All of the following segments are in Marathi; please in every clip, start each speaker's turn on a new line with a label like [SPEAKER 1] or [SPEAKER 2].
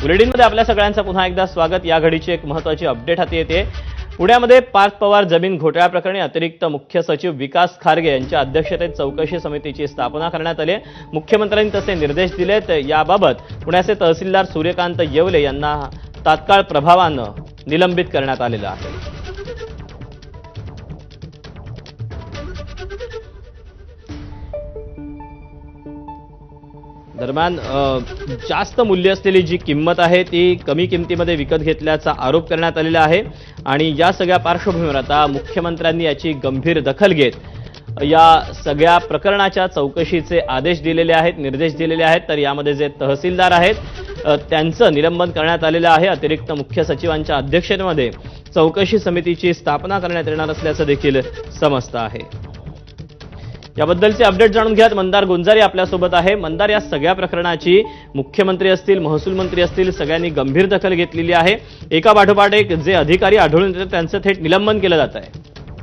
[SPEAKER 1] बुलेटिनमध्ये आपल्या सगळ्यांचं पुन्हा एकदा स्वागत। या घडीची एक महत्त्वाची अपडेट हाती येते। पुण्यामध्ये पार्थ पवार जमीन घोटाळ्या प्रकरणी अतिरिक्त मुख्य सचिव विकास खारगे यांच्या अध्यक्षतेत चौकशी समितीची स्थापना करण्यात आली। मुख्यमंत्र्यांनी तसे निर्देश दिलेत। याबाबत पुण्याचे तहसीलदार सूर्यकांत येवले यांना तात्काळ प्रभावानं निलंबित करण्यात आलेलं आहे। दरम्यान जास्त मूल्य असलेली जी किंमत आहे ती कमी किमतीमध्ये विकत घेतल्याचा आरोप करण्यात आलेला आहे आणि या सगळ्या पार्श्वभूमीवर आता मुख्यमंत्र्यांनी याची गंभीर दखल घेत या सगळ्या प्रकरणाच्या चौकशीचे आदेश दिलेले आहेत, निर्देश दिलेले आहेत। तर यामध्ये जे तहसीलदार आहेत त्यांचं निलंबन करण्यात आलेलं आहे। अतिरिक्त मुख्य सचिवांच्या अध्यक्षतेमध्ये चौकशी समितीची स्थापना करण्यात येणार असल्याचं देखील समजतं आहे। याबद्दलचे अपडेट जाणून घ्यात मंदार गुंजारी आपल्यासोबत आहे। मंदार, या सगळ्या प्रकरणाची मुख्यमंत्री असतील, महसूल मंत्री असतील, सगळ्यांनी गंभीर दखल घेतलेली आहे। एका पाठोपाठ एक जे अधिकारी आढळून येतात त्यांचं थेट निलंबन केलं जात आहे।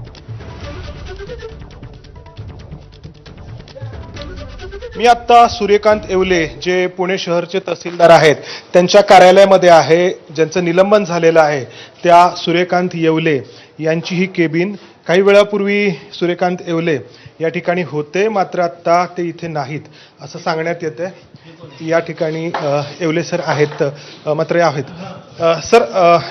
[SPEAKER 2] मी आता सूर्यकांत येवले जे पुणे शहरचे तहसीलदार आहेत त्यांच्या कार्यालयामध्ये आहे। ज्यांचं निलंबन झालेलं आहे त्या सूर्यकांत येवले यांची ही केबिन। काही वेळापूर्वी सूर्यकांत येवले या ठिकाणी होते, मात्र आता ते इथे नाहीत असं सांगण्यात येते। या ठिकाणी येवले सर आहेत, मात्र आहेत सर।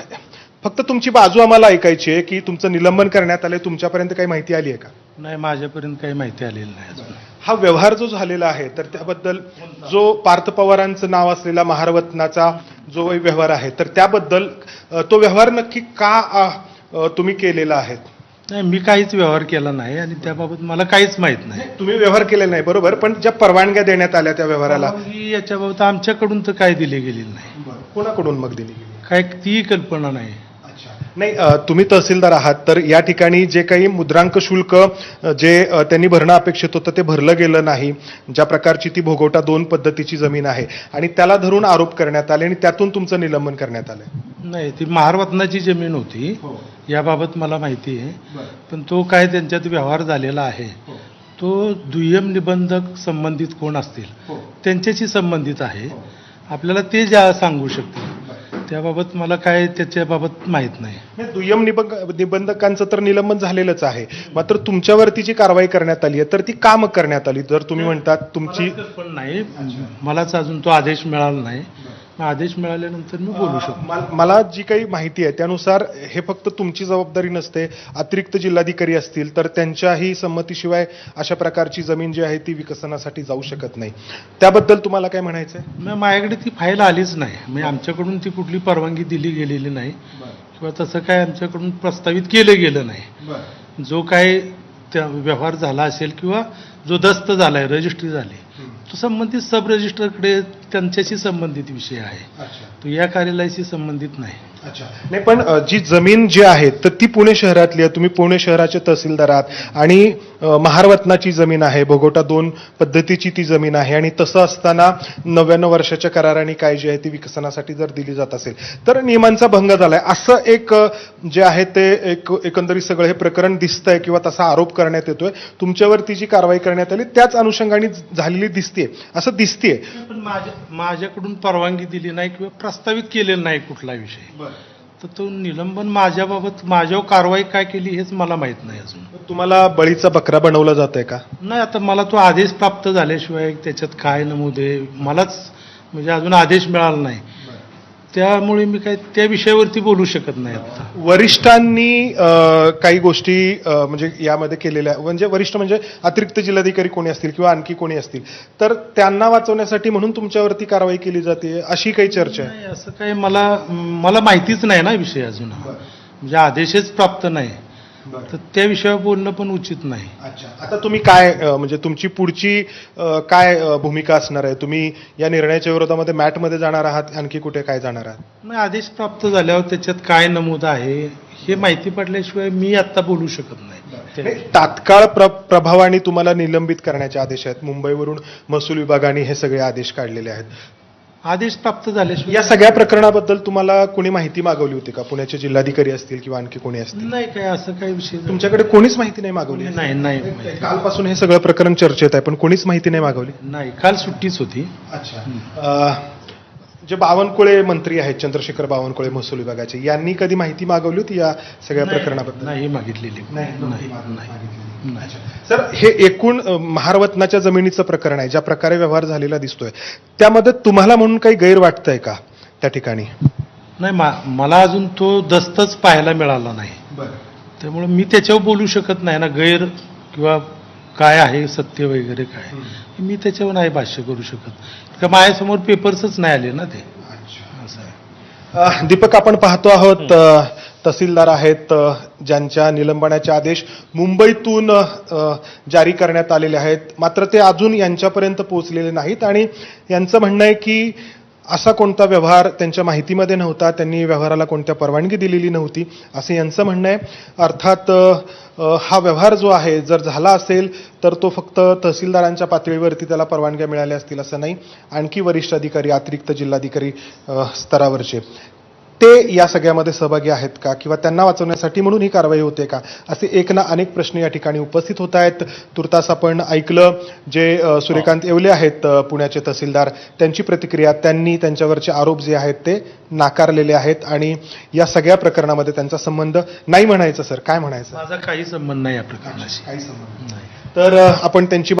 [SPEAKER 2] फक्त तुमची बाजू आम्हाला ऐकायची आहे की तुमचं निलंबन करण्यात आलंय, तुमच्यापर्यंत काही माहिती आली आहे का?
[SPEAKER 3] नाही, माझ्यापर्यंत काही माहिती आलेली नाही अजून।
[SPEAKER 2] हा व्यवहार जो झालेला आहे तर त्याबद्दल जो पार्थ पवारांचं नाव असलेला महारत्नाचा जो व्यवहार आहे तर त्याबद्दल तो व्यवहार नक्की का तुम्ही केलेला आहे?
[SPEAKER 3] नाही, मी काहीच व्यवहार केला नाही आणि त्याबाबत मला काहीच माहित नाही।
[SPEAKER 2] तुम्ही व्यवहार केलेला नाही बरोबर, पण ज्या परवानग्या देण्यात आल्या त्या व्यवहाराला
[SPEAKER 3] याच्याबाबत आमच्याकडून तर काही दिली गेलेली नाही।
[SPEAKER 2] कोणाकडून मग दिली गेली?
[SPEAKER 3] काय ती कल्पना नाही।
[SPEAKER 2] नाही, तुम्ही तहसीलदार आहात तर या ठिकाणी जे काही मुद्रांक शुल्क जे त्यांनी भरणं अपेक्षित होतं ते भरलं गेलं नाही। ज्या प्रकारची ती भोगवटा 2 पद्धतीची जमीन आहे आणि त्याला धरून आरोप करण्यात आले आणि त्यातून तुमचं निलंबन करण्यात आलं।
[SPEAKER 3] नाही, ती महारत्नाची जमीन होती याबाबत मला माहिती आहे, पण तो काय त्यांच्यात व्यवहार झालेला आहे तो दुय्यम निबंधक संबंधित कोण असतील त्यांच्याशी संबंधित आहे। आपल्याला ते ज्या सांगू शकतील, त्याबाबत मला काय त्याच्याबाबत माहित नाही।
[SPEAKER 2] दुय्यम निबंधकांचं तर निलंबन झालेलंच आहे, मात्र तुमच्यावरती जी कारवाई करण्यात आली आहे तर ती का मग करण्यात आली? जर तुम्ही म्हणतात तुमची
[SPEAKER 3] पण नाही, मलाच अजून तो आदेश मिळाला नाही। आदेश मिळाल्यानंतर मी बोलू शकतो।
[SPEAKER 2] मला जी काही माहिती आहे त्यानुसार हे फक्त तुमची जबाबदारी नसते, अतिरिक्त जिल्हाधिकारी असतील तर त्यांच्याही संमतीशिवाय अशा प्रकारची जमीन जी आहे ती विकसनासाठी जाऊ शकत नाही। त्याबद्दल तुम्हाला काय म्हणायचं आहे?
[SPEAKER 3] माझ्याकडे ती फाईल आलीच नाही, म्हणजे आमच्याकडून ती कुठली परवानगी दिली गेलेली नाही किंवा तसं काय आमच्याकडून प्रस्तावित केलं गेलं नाही। जो काय त्या व्यवहार झाला असेल किंवा जो दस्त झालाय, रजिस्ट्री झाली, तो संबंधित सब रजिस्टरकडे त्यांच्याशी संबंधित विषय आहे, तो या कार्यालयाशी संबंधित नाही।
[SPEAKER 2] नाही, पण जी जमीन जी आहे तर ती पुणे शहरातली आहे, तुम्ही पुणे शहराचे तहसीलदार आहात आणि महारत्नाची जमीन आहे, भोगवटा 2 पद्धतीची ती जमीन आहे आणि तसं असताना 99 वर्षाच्या कराराने काय जी आहे ती विकसनासाठी जर दिली जात असेल तर नियमांचा भंग झालाय असं एक जे आहे ते एकंदरीत सगळं हे प्रकरण दिसतंय किंवा तसा आरोप करण्यात येतोय। तुमच्यावरती जी कारवाई करण्यात आली त्याच अनुषंगाने झालेली दिसते असं दिसतेय।
[SPEAKER 3] पण माझ्याकडून परवानगी दिली नाही किंवा प्रस्तावित केलेला नाही कुठला विषय, तर तो निलंबन माझ्याबाबत माझ्यावर कारवाई काय केली हेच मला माहित नाही अजून।
[SPEAKER 2] तुम्हाला बळीचा बकरा बनवला जात आहे का?
[SPEAKER 3] नाही, आता मला तो आदेश प्राप्त झाल्याशिवाय त्याच्यात काय नमूद आहे मलाच म्हणजे अजून आदेश मिळाला नाही, त्यामुळे मी काय त्या विषयावरती बोलू शकत नाही। आता
[SPEAKER 2] वरिष्ठांनी काही गोष्टी म्हणजे यामध्ये केलेल्या, म्हणजे वरिष्ठ म्हणजे अतिरिक्त जिल्हाधिकारी कोणी असतील किंवा आणखी कोणी असतील तर त्यांना वाचवण्यासाठी म्हणून तुमच्यावरती कारवाई केली जाते अशी काही चर्चा आहे?
[SPEAKER 3] नाही, असं काही मला माहितीच नाही ना विषय अजून, म्हणजे आदेशच प्राप्त नाही, तर त्या विषयावर बोलणं पण उचित नाही।
[SPEAKER 2] आता तुम्ही काय म्हणजे तुमची पुढची काय भूमिका असणार आहे? तुम्ही या निर्णयाच्या विरोधामध्ये मॅटमध्ये जाणार आहात, आणखी कुठे काय जाणार आहात?
[SPEAKER 3] नाही, आदेश प्राप्त झाल्यावर त्याच्यात काय नमूद आहे हे माहिती पडल्याशिवाय मी आता बोलू शकत नाही।
[SPEAKER 2] तात्काळ प्रभावाने तुम्हाला निलंबित करण्याचे आदेश आहेत। मुंबईवरून महसूल विभागाने हे सगळे आदेश काढलेले आहेत।
[SPEAKER 3] आदेश प्राप्त झाल्याशिवाय
[SPEAKER 2] या सगळ्या प्रकरणाबद्दल तुम्हाला कोणी माहिती मागवली होती का? पुण्याचे जिल्हाधिकारी असतील किंवा आणखी कोणी असतील?
[SPEAKER 3] नाही, काय असं काही विषय
[SPEAKER 2] तुमच्याकडे कोणीच माहिती नाही मागवली?
[SPEAKER 3] नाही,
[SPEAKER 2] कालपासून हे सगळं प्रकरण चर्चेत आहे पण कोणीच माहिती नाही मागवली?
[SPEAKER 3] नाही, काल सुट्टीच होती।
[SPEAKER 2] अच्छा, जे बावनकुळे मंत्री आहेत, चंद्रशेखर बावनकुळे महसूल विभागाचे, यांनी कधी माहिती मागवली होती या सगळ्या प्रकरणाबद्दल?
[SPEAKER 3] नाही मागितलेली नाही.
[SPEAKER 2] सर, हे एकूण महारवतनाच्या जमिनीचं प्रकरण आहे, ज्या प्रकारे व्यवहार झालेला दिसतोय, त्यामध्ये तुम्हाला म्हणून काही गैर वाटतंय का त्या ठिकाणी?
[SPEAKER 3] नाही, मला अजून तो दस्तच पाहायला मिळाला नाही, त्यामुळे मी त्याच्यावर बोलू शकत नाही ना, गैर किंवा काय आहे सत्य वगैरे काय, मी त्याच्यावर नाही भाष्य करू शकत, का माझ्यासमोर पेपर्सच नाही आले ना ते. असं आहे.
[SPEAKER 2] दीपक, आपण पाहतो आहोत तहसीलदार आहेत ज्यांच्या निलंबनाचे आदेश मुंबईतून जारी करण्यात आलेले आहेत, मात्र ते अजून यांच्यापर्यंत पोहोचलेले नाहीत आणि यांचं म्हणणं आहे की असा कोणता व्यवहार त्यांच्या माहितीमध्ये नव्हता, त्यांनी व्यवहाराला कोणत्या परवानगी दिलेली नव्हती, असं यांचं म्हणणं आहे. अर्थात हा व्यवहार जो आहे जर झाला असेल तर तो फक्त तहसीलदारांच्या पातळीवरती त्याला परवानग्या मिळाल्या असतील असं नाही, आणखी वरिष्ठ अधिकारी, अतिरिक्त जिल्हाधिकारी स्तरावरचे ते या सगळ्यामध्ये सहभागी आहेत का, किंवा त्यांना वाचवण्यासाठी म्हणून ही कारवाई होते का, असे एक ना अनेक प्रश्न या ठिकाणी उपस्थित होत आहेत. तुर्तास आपण ऐकलं जे सूर्यकांत येवले आहेत पुण्याचे तहसीलदार, त्यांची प्रतिक्रिया, त्यांनी त्यांच्यावरचे आरोप जे आहेत ते नाकारलेले आहेत आणि या सगळ्या प्रकरणामध्ये त्यांचा संबंध नाही म्हणायचं. सर, काय म्हणायचं?
[SPEAKER 3] माझा काही संबंध नाही या प्रकरणाशी.
[SPEAKER 2] काही संबंध नाही. तर आपण त्यांची